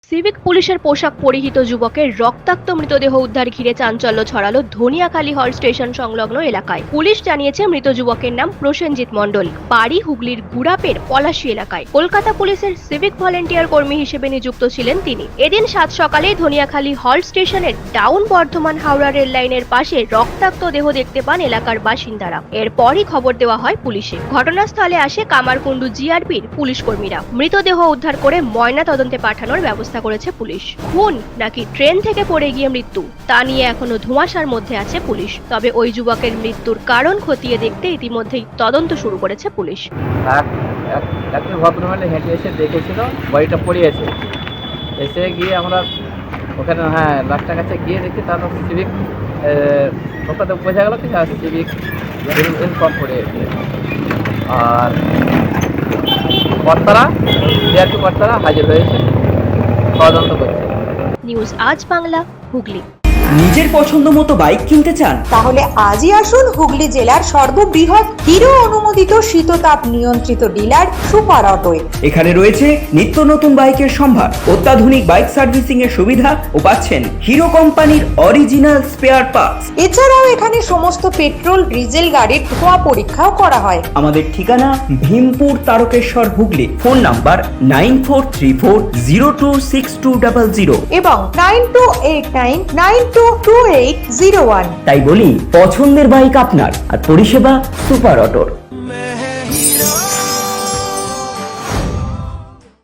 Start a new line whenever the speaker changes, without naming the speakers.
Civic পুলিশের পোশাক পরিহিত যুবকের রক্তাক্ত মৃতদেহ উদ্ধার ঘিরে চাঞ্চল্য ছড়ালো ধনিয়াখালী হল স্টেশন সংলগ্ন এলাকায়। পুলিশ জানিয়েছে মৃত যুবকের নাম প্রসেনজিৎ মণ্ডল, বাড়ি হুগলির গুড়াপের পলাশী এলাকায়। কলকাতা পুলিশের সিভিক ভলেন্টিয়ার কর্মী হিসেবে নিযুক্ত ছিলেন তিনি। এদিন 7 সকালে ধনিয়াখালী হল স্টেশনের ডাউন বর্ধমান হাওড়া রেল লাইনের পাশে রক্তাক্ত দেহ দেখতে পান এলাকার বাসিন্দারা। এরপরই খবর দেওয়া হয় পুলিশে। ঘটনাস্থলে আসে কামারকুণ্ডু জিআরপির পুলিশ কর্মীরা। মৃতদেহ উদ্ধার করে ময়না তদন্তে পাঠানোর ব্যবস্থা করেছে পুলিশ। খুন নাকি ট্রেন থেকে পড়ে গিয়ে মৃত্যু তা নিয়ে এখনো ধোঁয়াশার মধ্যে আছে পুলিশ। তবে ওই যুবকের মৃত্যুর কারণ খতিয়ে দেখতে ইতিমধ্যেই তদন্ত শুরু করেছে পুলিশ।
একজন ভদ্রমহিলা হেঁটে এসে দেখেছিল বডিটা পড়ে আছে। এসে গিয়ে আমরা ওখানে লাস্টের কাছে গিয়ে দেখি তারপর সিভিক ওখানে বোঝা গেল কি সিভিক ইনফর্ম পড়ে আছে। আর কর্তারা জিআরপি কর্তারা হাজির হয়েছে, তদন্ত করছে।
নিউজ আজ বাংলা, হুগলি।
নিজের পছন্দ মতো বাইক কিনতে চান?
তাহলে আজই আসুন হুগলি জেলার সর্ববৃহৎ হিরো অনুমোদিত শীততাপ নিয়ন্ত্রিত ডিলার সুপার অটোয়।
এখানে রয়েছে নিত্য নতুন বাইকের সম্ভার, অত্যাধুনিক বাইক সার্ভিসিং এর সুবিধা ও পাচ্ছেন হিরো কোম্পানির অরিজিনাল স্পেয়ার পার্টস।
এছাড়াও এখানে সমস্ত পেট্রোল ডিজেল গাড়ির ধোঁয়া পরীক্ষাও করা হয়।
আমাদের ঠিকানা ভীমপুর তারকেশ্বর, হুগলি। ফোন নাম্বার 9434026200
এবং 9289922801।
তাই বলি, পছন্দের বাইক আপনার আর পরিষেবা সুপার অটোর।